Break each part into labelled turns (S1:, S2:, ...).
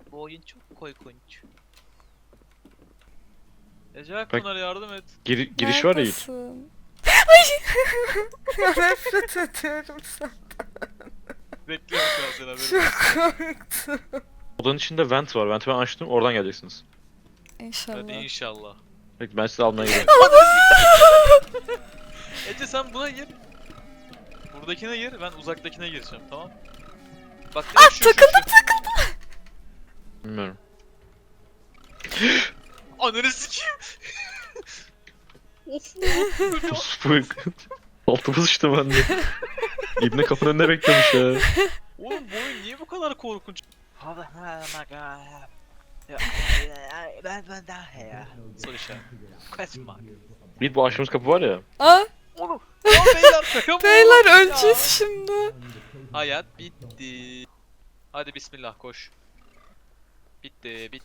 S1: Bu oyun çok korkunç. Ece Pınar yardım et.
S2: Giriş var ya Yiğit.
S3: Neredesin? Ay! Ya nefret ediyorum sen.
S1: Bekliyorum şu an seni haberin.
S3: Çok korktum.
S2: Odanın içinde vent var. Vent'i ben açtım. Oradan geleceksiniz.
S3: İnşallah.
S1: Hadi inşallah.
S2: Peki ben sizi almaya gidiyorum.
S1: Ece sen buna gir. Buradakine gir, ben uzaktakine gireceğim, tamam? Bak
S3: takıldım.
S2: Bilmiyorum.
S1: Ananı sikeyim. Of.
S2: Spuk. Altıma sıçtım ben de. İbne kapının önünde beklemiş ya.
S1: Oğlum bu oyun niye bu kadar korkunç? Soru işareti. Question mark.
S2: Yiğit bu açtığımız kapı var ya.
S3: Aa,
S1: Oğlum. Ya beyler şaka mı?
S3: beyler
S1: Ya.
S3: öleceğiz şimdi.
S1: Hayat bitti. Hadi bismillah koş. Bitti.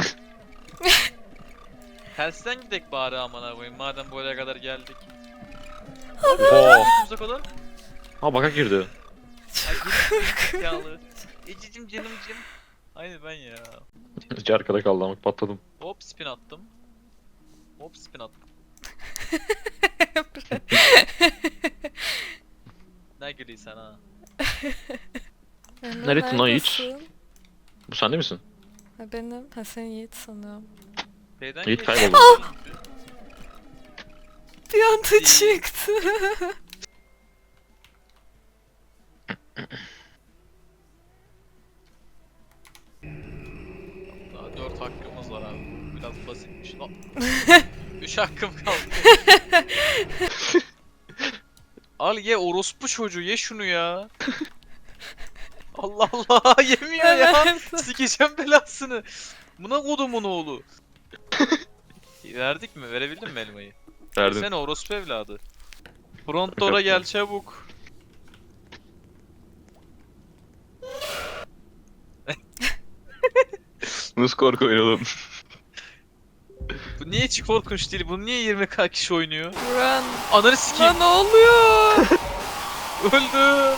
S1: Tersten gidek bari amına koyayım madem buraya kadar geldik.
S2: Oo.
S1: Uza kadar.
S2: Ha baka girdi.
S1: Ay yağlı. Ecicim canımcım. Aynı ben ya.
S2: Hiç arkada kaldı ama patladım.
S1: Hop spin attım. Hop spin attım. Ne gülüyorsun ha?
S3: Emre,
S2: Neredesin lan Yiğit?
S3: neredesin?
S2: Bu sen değil misin?
S3: Ha, benim. Ha, sen Yiğit sanıyorum.
S1: B'den
S2: Yiğit
S1: geçtim.
S2: kayboldu.
S3: Bir anda çıktı.
S1: Daha 4 hakkımız var abi. Biraz basitmiş. 3 hakkım kaldı. Al ye orospu çocuğu ye şunu ya. Allah Allah yemiyor ya.
S3: Evet.
S1: Sikeceğim belasını. Buna kodumun oğlu. Verdik mi? Verebildin mi elmayı?
S2: Verdim.
S1: Sen orospu evladı. Front door'a gel çabuk.
S2: Nasıl korku oynayalım?
S1: Bu niye hiç korkunç değil? Bunu niye 20k kişi oynuyor?
S3: Run.
S1: Ananı sikeyim.
S3: Lan ne oluyor?
S1: Öldüm.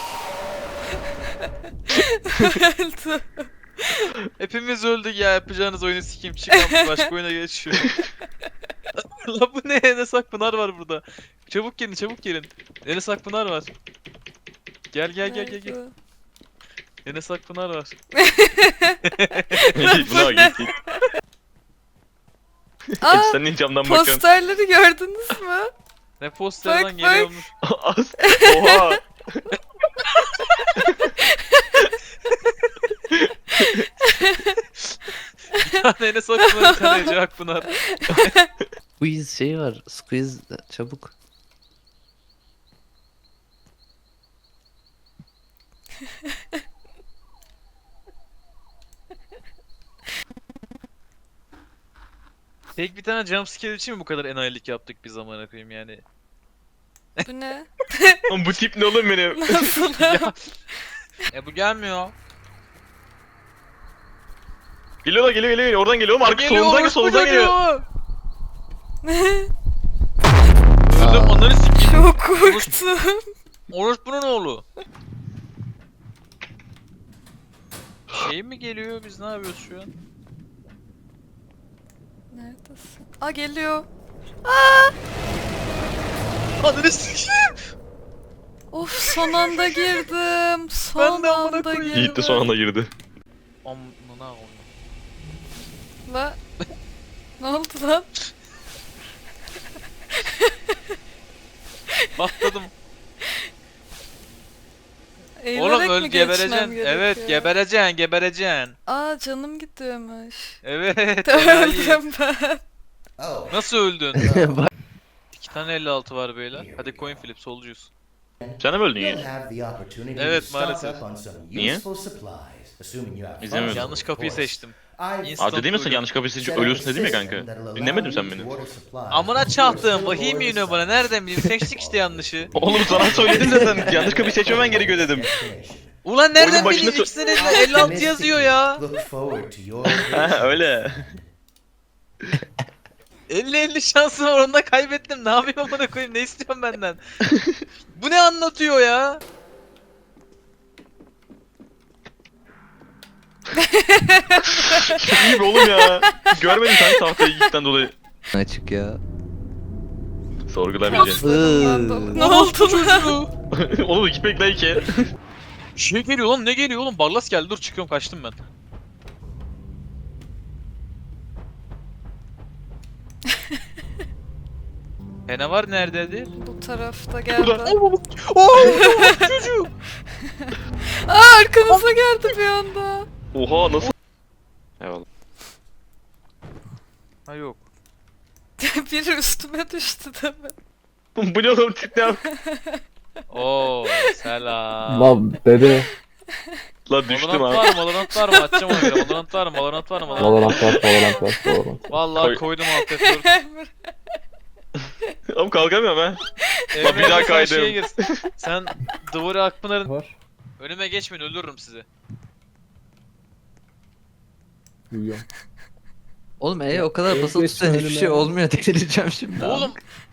S3: Öldü.
S1: Hepimiz öldük ya. Yapacağınız oyunu sikeyim. Çıkan başka oyuna geçiyor. La bu ne? Enes Akpınar var burada. Çabuk gelin, çabuk gelin. Enes Akpınar var. Gel.
S3: Nerede?
S1: Enes Akpınar var.
S2: Yiğit buna bak Yiğit.
S3: Aa,
S2: Sen niye camdan bakıyorsun?
S3: posterleri gördünüz mü?
S1: Ne posterden
S3: Bak.
S1: geliyormuş.
S2: Az. Oha.
S1: Bir tane Enes Akpınar, bir tane Ece Akpınar.
S4: Squeeze şey var. Squeeze çabuk.
S1: Tek bir tane jumpscare için mi bu kadar enayilik yaptık biz amına koyayım yani?
S3: Bu ne?
S2: Oğlum bu tip ne oğlum benim?
S3: Nasıl?
S1: Bu gelmiyor.
S2: Geliyor. Oradan geliyor. Oğlum arka
S1: Geliyor,
S2: solundan
S1: orospu
S2: solundan geliyor.
S1: çocuğu. Öldüm onları sikeyim.
S3: Çok korktum.
S1: Orospu'nun oğlu. Şey mi geliyor? Biz ne yapıyoruz şu an?
S3: Neredesin? Aa, geliyor.
S1: Ananı sikeyim.
S3: Of, son anda girdim. Son
S1: Ben de amına
S3: anda
S1: koyayım.
S3: girdim.
S2: Yiğit de son anda girdi.
S1: Amına koyayım.
S3: La. Ne oldu lan?
S1: Patladım.
S3: Eğilerek
S1: Oğlum öl
S3: mi geçmem
S1: gebereceksin.
S3: gerekiyor?
S1: Evet gebereceksin.
S3: Aa, canım gidiyormuş.
S1: Evet. enayi.
S3: Öldüm ben.
S1: Nasıl öldün?
S4: Bak.
S1: 2 tane 56 var beyler. Hadi coin flip solcuyuz.
S2: Sen de mi öldün Yiğit?
S1: Evet, maalesef.
S2: Niye? İzlemedim.
S1: Yanlış kapıyı seçtim.
S2: Aa dedi misin yanlış kapıyı seçince ölüyorsun dedim ya kanka. Dinlemedin sen beni.
S1: Amına çaktığım vahim yine bana nereden bileyim seçtik işte yanlışı.
S2: Oğlum sana söyledim de sen yanlış kapıyı seçmemen gerekiyor dedim.
S1: Ulan nereden
S2: Oyunun
S1: bileyim
S2: başında
S1: ikisine de 56 yazıyor ya.
S2: Ha öyle.
S1: 50-50 şansım var onda kaybettim. Ne yapayım amına koyayım ne istiyorsun benden? Bu ne anlatıyor ya?
S2: İyi be oğlum ya. Görmedin sen tahtayı ilkten dolayı.
S4: Açık ya.
S2: Sorgulamayacaksın.
S3: Kaslarımdan dolayı. Ne
S1: Orospu
S3: oldu lan?
S1: çocuğu.
S2: Oğlum gitmek like e.
S1: Şey geliyor lan, ne geliyor oğlum? Barlas geldi, dur çıkıyorum, kaçtım ben. Canavar neredeydi?
S3: Bu tarafta geldi.
S1: Çocuğu.
S3: Aa, arkanıza geldi bir anda.
S2: Oha nasıl? Eyvallah.
S1: Ha yok.
S3: Biri üstüme düştü değil mi?
S2: Bu ne oğlum tip ne yap?
S1: Oo selam.
S5: Lan dede.
S2: Lan düştüm
S1: Valorant
S2: abi.
S1: var mı? Valorant var mı? Açacağım ona göre. Valorant var mı? Valorant var mı?
S5: Valorant var, Valorant var, Valorant.
S1: Vallahi
S2: Koy.
S1: koydum alt F4.
S2: Oğlum kalkamıyorum ha.
S1: Emre,
S2: bir daha
S1: sen
S2: kaydım.
S1: şeye gir. Sen Duvara Akpınar'ın
S5: Var.
S1: önüme geçmeyin, öldürürüm sizi.
S5: Uyuyorum.
S4: Oğlum o kadar
S5: en
S4: basılı
S5: geç
S4: tutan hiçbir
S5: önüme-
S4: şey olmuyor, delireceğim şimdi.
S1: Oğlum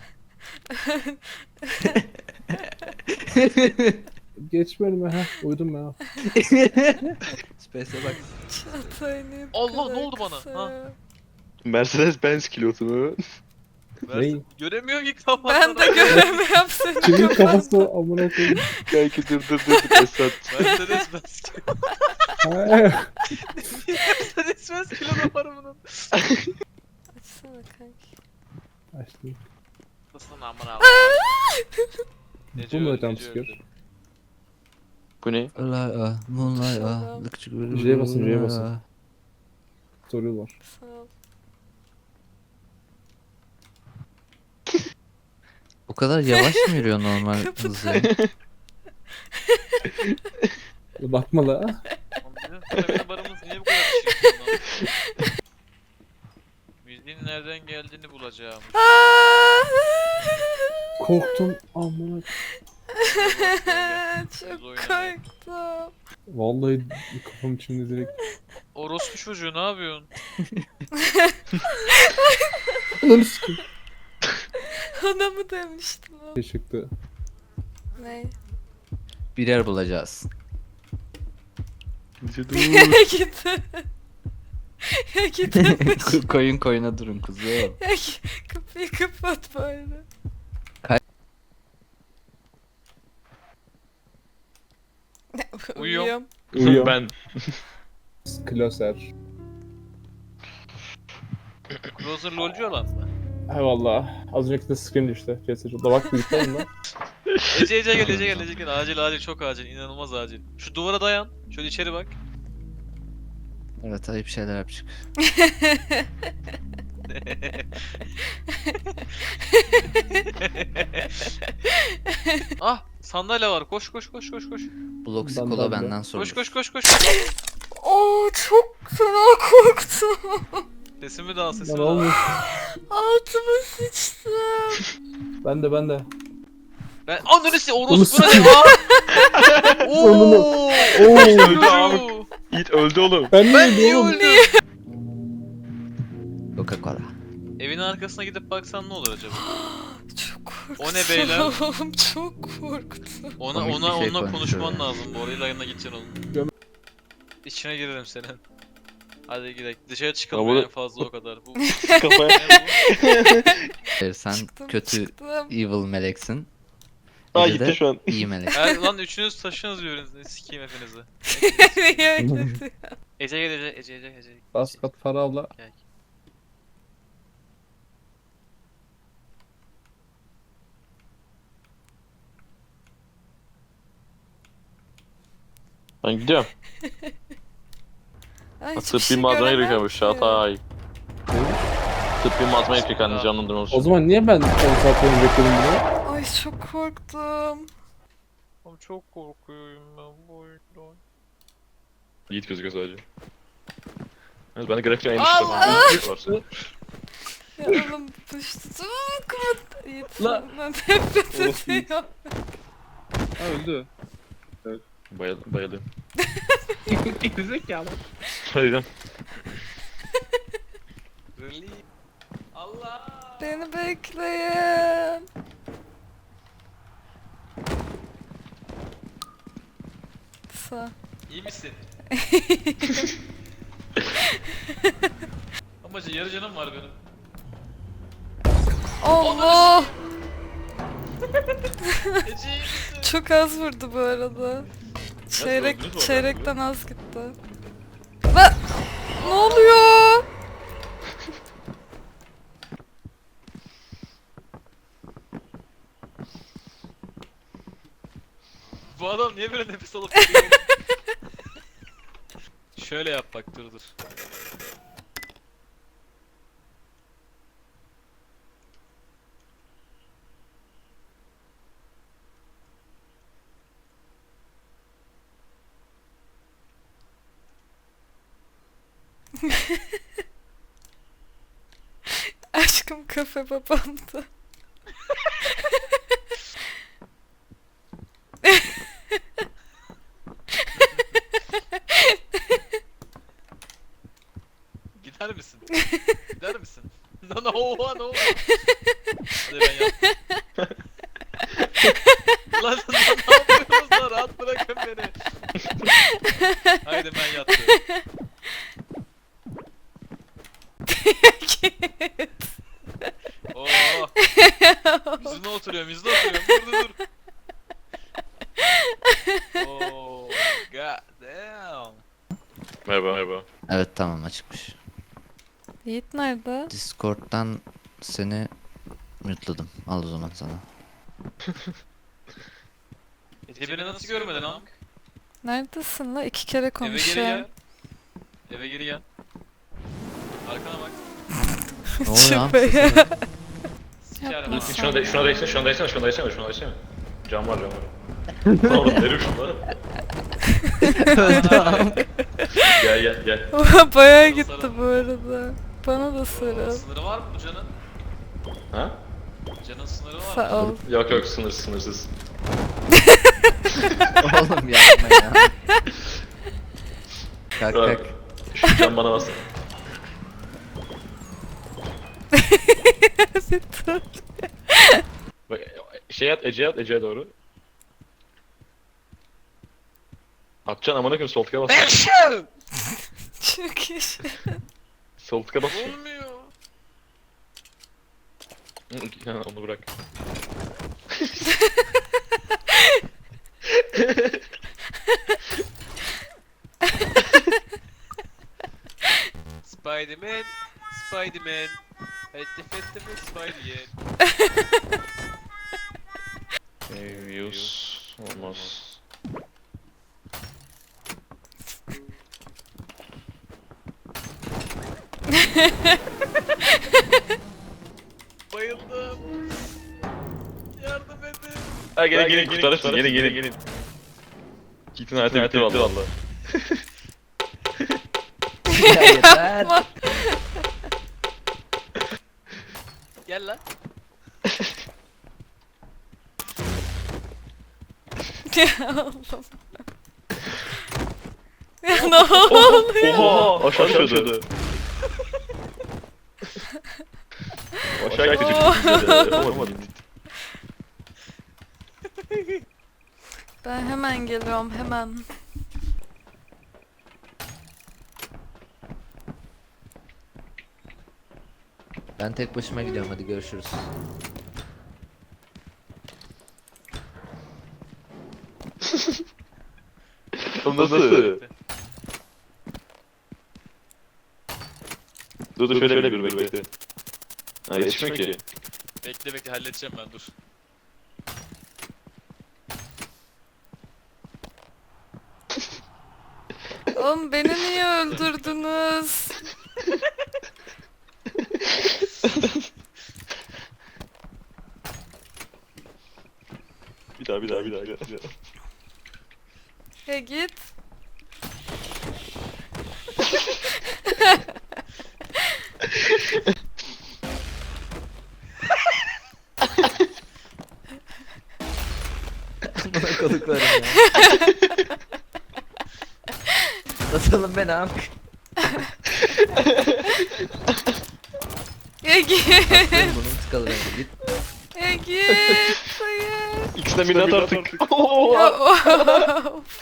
S5: Geç önüme ha. Uyudum ya.
S4: Space'e bak.
S3: Çağatay ne
S1: Allah,
S3: kadar
S1: ne oldu bana?
S3: kısa
S1: Ha?
S3: ya.
S2: Mercedes Benz kilosu mu?
S5: Ney?
S1: göremiyorum ki kafadan.
S3: Ben de göremiyorum seni.
S5: Kimin kafası o amına koyayım.
S2: Kanki dur Esat.
S1: Mercedes Benz.
S5: Ha.
S1: Mercedes Benz kilo da var bunun.
S3: Açsana kanki.
S5: Açtım.
S1: Nasılsın amına?
S5: Bu mu ötem çıkıyor?
S2: Bu ne?
S4: Moonlight
S3: Şuradan.
S5: J'ye basın, J'ye basın. Soru var.
S3: Sağ ol.
S4: O kadar yavaş mı yürüyor normal hızı?
S5: Bakma la.
S1: Benim barımız niye bu kadar çirkin lan? Müziğin nereden geldiğini bulacağım.
S5: Korktum amına.
S3: Çok
S1: Biz
S3: korktum.
S5: Vallahi kafam içinde direkt.
S1: Orospu çocuğu, ne yapıyorsun?
S5: Ananı sikeyim.
S3: Ona mı demiştin o?
S5: Şey çıktı.
S3: Ne?
S4: Birer bulacağız.
S2: Dur.
S3: Ya gidin. Ya gidin.
S4: Koyun koyuna durun kuzum.
S3: Ya kapıyı kapat bari.
S1: Uyuyorum.
S5: Uyuyor.
S2: Ben.
S5: Kloser.
S1: Closer lolcu olan mı?
S5: Eyvallah. Az önceki de screen düştü. CS'de bak bilgisayarım da.
S1: Ece gel, Ece gel. Acil, çok acil, inanılmaz acil. Şu duvara dayan. Şöyle içeri bak.
S4: Evet, ayıp şeyler yapacak.
S1: Ah, sandalye var. Koş.
S4: Bloxy
S5: Ben
S4: Cola
S5: de.
S4: benden sorulur.
S1: Koş.
S3: Oo, çok fena korktum.
S1: Sesimi de al,
S5: Lan
S1: sesimi de al.
S5: olmuş.
S3: Altıma sıçtım.
S5: Ben de.
S1: Ben ananı si
S5: Onu
S1: orospu ne
S5: sikeyim.
S1: lan?
S5: Onunu-
S1: Ooo.
S5: Oo.
S2: Öldü abi. Yiğit öldü oğlum.
S5: Ben
S1: Ben
S5: niye
S1: niye
S5: oğlum?
S1: öldüm?
S4: Coca-Cola.
S1: Evin arkasına gidip baksan ne olur acaba?
S3: Çok korktum.
S1: O ne beyler?
S3: Çok korktum.
S1: Ona
S4: Komik bir şey
S1: onunla
S4: konuşuyor
S1: konuşman
S4: ya.
S1: lazım bu arada, yanına gideceksin onun.
S5: Göm-
S1: İçine girerim senin. Hadi gidelim. Dışarı çıkalım
S2: Ya bu-
S1: en fazla o kadar. Bu
S2: Kafaya.
S4: Sen
S3: Çıktım,
S4: kötü
S3: çıktım.
S4: evil meleksin.
S2: Aa
S4: Ece de
S2: gitti şu an.
S4: iyi melek.
S1: Lan üçünüz taşınız birbirinizi. Sikeyim hepinizi.
S3: Niye öyle diyor?
S1: Ece gel, Ece.
S5: Bas kat para abla.
S1: Gel.
S2: Ben gidiyorum.
S3: Ay, hiçbir
S2: Tıbbi
S3: şey
S2: malzeme
S3: göremem
S2: gerekiyormuş
S3: ki.
S2: Çağatay. Tıbbi malzeme gerekiyor kendini canlandırmak
S5: O
S2: için.
S5: zaman niye ben 10 saat boyunca bekledim bunu?
S3: Ay çok korktum.
S1: Oğlum çok korkuyorum ben bu oyundan.
S2: Yiğit gözüküyor sadece. Evet, ben de grafikten en
S1: Allah!
S2: düştüm.
S3: Ya oğlum düştüm. Kapat.
S5: La-
S3: Yetimden nefret
S5: Orası iyi.
S3: ediyor.
S5: Ha öldü.
S2: Bayıldım.
S5: Gerizekalı.
S2: Hadi gidelim.
S1: Really? Allah!
S3: Beni bekleyin.
S1: İyi misin? canım var benim.
S3: Allah!
S1: Ece iyi misin?
S3: Çok az vurdu bu arada.
S2: öldünüz mü
S3: Çeyrekten az gitti. Lan! Ne oluyor?
S1: Bu adam niye böyle nefes alıp veriyor? Şöyle yap bak, dur.
S3: Aşkım kafe babamdı.
S1: Gider misin? Gider misin? Ne oldu? Hadi ben yaptım. Lan ne yapıyorsunuz lan? Rahat bırakın beni. Haydi ben yattım. Oo. Yüzüne oturuyorum. Dur. Oh, god damn.
S2: Merhaba.
S4: Evet tamam açıkmış.
S3: Yiğit nerede?
S4: Discord'dan seni mute'ladım. Al o zaman sana.
S1: Ece beni nasıl görmedin Hank?
S3: Neredesin la? 2 kere
S1: Eve geri
S3: konuşuyorum.
S1: gel. Eve geri gel. Arkana bak.
S4: Ne oluyor lan?
S3: Şüpheye.
S1: Sikerim
S3: Yapma
S1: ha.
S3: sen.
S2: Şuna değsene. Cam var. Oğlum nereye şunları? Gel.
S3: Bayağı gitti bu arada. Bana da sarıl.
S1: Sınırı var mı bu canın?
S2: Ha?
S1: Canın sınırı var mı?
S3: Sağ ol.
S2: Yok sınırsız.
S4: Oğlum yapma ya. Kalk
S2: Bak,
S4: kalk.
S2: şu cam bana bas. Bak Ece'ye doğru. Atacaksın amına koyayım, sol tıka bas.
S3: Çok iyi.
S2: Sol tıka bas.
S1: Olmuyor.
S2: Ha, onu bırak.
S1: Spiderman. Fettim Spider-Man.
S2: Views olmaz.
S1: Bayıldım. Yardım edin.
S2: Ha gelin kurtarırsın gelin. Kit'in hayatı bitti valla.
S4: Ya yeter.
S1: Gel lan.
S3: Ya Allah'ım. Ya ne oluyor?
S2: Oha aşağı düşüyordu. Aşağı gitti. Yapamadım.
S3: Ben hemen geliyorum hemen.
S4: Ben tek başıma gidiyorum hadi görüşürüz.
S2: Nasıl? Dur şöyle bir bekle. Ha yetişmiyor ki.
S1: Bekle halledeceğim ben, dur.
S3: Oğlum beni niye öldürdünüz?
S2: Bir daha.
S3: Ya git.
S4: Bana koduklarım ya. Atalım beni amk.
S3: Ya git.
S4: Bunun tıkalı benim. Git.
S3: Ya git. Hayır.
S2: İkisinden birini at artık.
S3: Ya, of.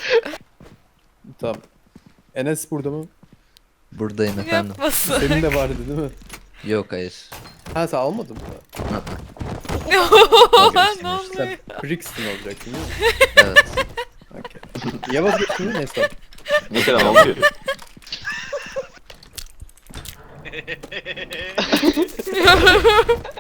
S5: Tamam. Enes burada mı?
S4: Buradayım efendim.
S3: Yapmasın.
S5: Senin de vardı değil mi?
S4: Yok hayır.
S6: Ha sen almadın mı?
S3: ne
S4: Vazgeçtim
S3: oluyor?
S6: Sen Brixton olacaktın değil mi?
S4: Evet.
S6: Okay. Ya vazgeçtin mi? Neyse.
S2: Mesela almıyor.
S3: Bilmiyorum.